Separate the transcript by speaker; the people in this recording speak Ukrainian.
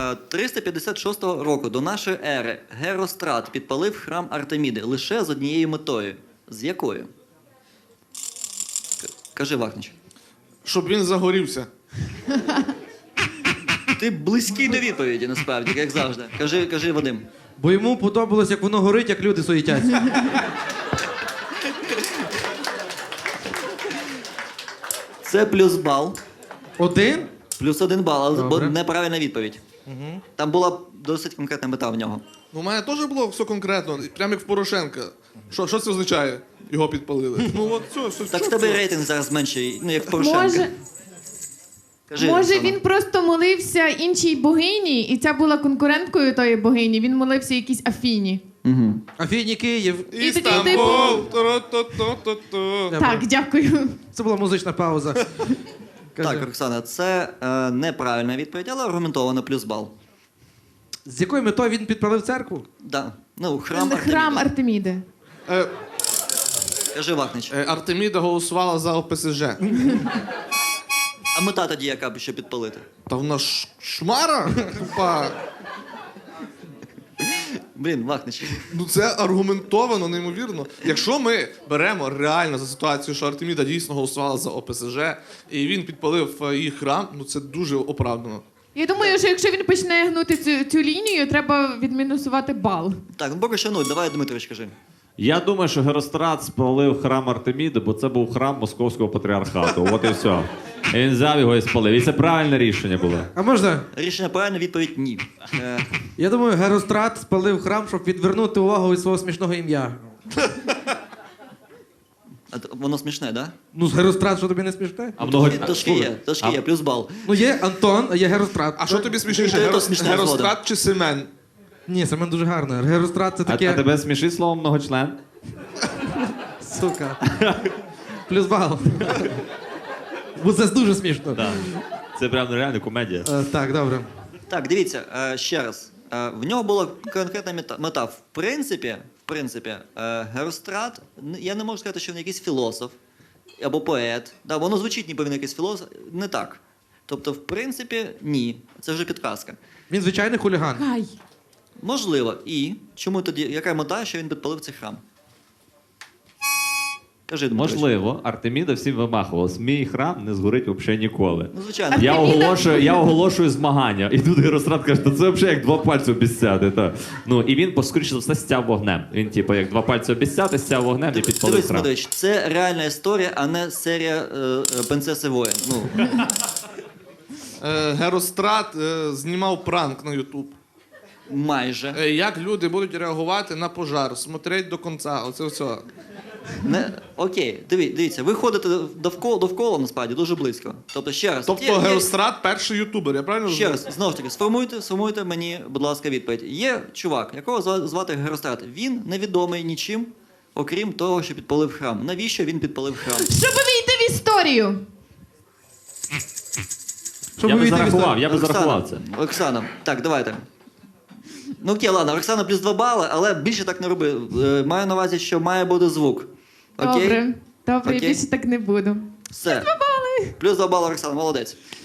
Speaker 1: 356 року до нашої ери Герострат підпалив храм Артеміди лише з однією метою. З якою? Кажи, Вахнич.
Speaker 2: Щоб він загорівся.
Speaker 1: Ти близький до відповіді, насправді, як завжди. Кажи, Вадим.
Speaker 3: Бо йому подобалось, як воно горить, як люди суетяться.
Speaker 1: Це плюс бал.
Speaker 3: Один?
Speaker 1: Плюс 1 бал, але
Speaker 3: Добре.
Speaker 1: неправильна відповідь. Там була досить конкретна мета в нього.
Speaker 2: Ну, у мене теж було все конкретно, прямо як в Порошенка. Що це означає? Його підпалили. Ну от все.
Speaker 1: Так в тебе рейтинг зараз менший, ну як в Порошенка. Кажи,
Speaker 4: Може,
Speaker 1: Оксана.
Speaker 4: він просто молився іншій богині, і ця була конкуренткою тої богині. Він молився якійсь Афіні.
Speaker 1: Угу.
Speaker 3: Афіні Київ.
Speaker 4: І такий,
Speaker 2: Істамбул. Ту-ру-ту-ту-ту-ту.
Speaker 4: Так, дякую.
Speaker 3: Це була музична пауза. Кажи.
Speaker 1: Так, Оксана, це неправильна відповідь, але аргументовано плюс бал.
Speaker 3: З якою метою він підпалив церкву?
Speaker 1: Да. Ну, храм Артеміди.
Speaker 4: Храм Артеміди.
Speaker 1: Кажи, Вахнич.
Speaker 2: Артеміда голосувала за ОПСЖ.
Speaker 1: А мета тоді яка б ще підпалити?
Speaker 2: Та вона шмара? Тупа.
Speaker 1: Блін, Вахнич.
Speaker 2: Ну це аргументовано, неймовірно. Якщо ми беремо реально за ситуацію, що Артеміда дійсно голосувала за ОПСЖ, і він підпалив її храм, ну це дуже оправдано.
Speaker 4: Я думаю, що якщо він почне гнути цю лінію, треба відмінусувати бал.
Speaker 1: Так, ну поки що 0. Давай, Дмитрович, кажи.
Speaker 5: Я думаю, що Герострат спалив храм Артеміди, бо це був храм Московського патріархату. От і все. І він взяв його і спалив. І це правильне рішення було.
Speaker 3: А можна?
Speaker 1: Рішення правильне, відповідь ні.
Speaker 3: Я думаю, Герострат спалив храм, щоб відвернути увагу від свого смішного ім'я.
Speaker 1: Воно смішне, да?
Speaker 3: Ну, з Герострат, що тобі не смішне?
Speaker 5: А много...
Speaker 1: Трошки є, плюс бал.
Speaker 3: Ну, є Антон, а є Герострат.
Speaker 2: А що тобі смішніше,
Speaker 1: Ну, то смішна
Speaker 2: Герострат чи Семен?
Speaker 3: Ні, Семен дуже гарно. Герострат це таке...
Speaker 5: А тебе смішить слово многочлен?
Speaker 3: Сука. Плюс бал. Бо це дуже смішно.
Speaker 5: Так. Це прям реально комедія.
Speaker 3: Так, добре.
Speaker 1: Так, дивіться, ще раз. В нього була конкретна мета. В принципі, Герострат, я не можу сказати, що він якийсь філософ або поет. Да, воно звучить, ніби він якийсь філософ. Не так. Тобто, в принципі, ні. Це вже підказка.
Speaker 3: Він звичайний хуліган.
Speaker 4: Ай.
Speaker 1: Можливо. І чому тоді, яка мета, що він підпалив цей храм? Кажи, Дмитрович.
Speaker 5: Можливо, Артеміда всім вимахувалась. Мій храм не згорить взагалі ніколи.
Speaker 1: Ну, звичайно.
Speaker 5: Я оголошую змагання. І тут Герострат каже, то це взагалі як два пальці обіцяти. Та. Ну, і він, скоріше за все, стяв вогнем. Він, типу, як два пальці обіцяти, стяв вогнем і підпалив
Speaker 1: Дивись,
Speaker 5: храм.
Speaker 1: Дмитрович, це реальна історія, а не серія «Принцеси воїн». Ну,
Speaker 2: Герострат знімав пранк на Ютуб.
Speaker 1: майже.
Speaker 2: Як люди будуть реагувати на пожар, смотреть до кінця, оце все.
Speaker 1: Окей, дивіться, ви ходите довкола, насправді, дуже близько. Тобто, ще раз.
Speaker 2: Тобто Герострат перший ютубер, я правильно
Speaker 1: Ще
Speaker 2: розумію?
Speaker 1: раз, знову ж таки, сформуйте мені, будь ласка, відповідь. Є чувак, якого звати Герострат. Він невідомий нічим, окрім того, що підпалив храм. Навіщо він підпалив храм?
Speaker 4: Щоб війти в історію.
Speaker 3: Щоб
Speaker 5: Я би
Speaker 3: увійти в
Speaker 5: зарахував,
Speaker 3: історію.
Speaker 5: я би зарахував це.
Speaker 1: Оксана, так, давайте. Ну окей, ладно, Оксана плюс 2 бали, але більше так не роби. Маю на увазі, що має бути звук. Окей?
Speaker 4: Добре,
Speaker 1: Окей.
Speaker 4: я більше так не буду.
Speaker 1: Все. Плюс 2 бали, Оксана, молодець.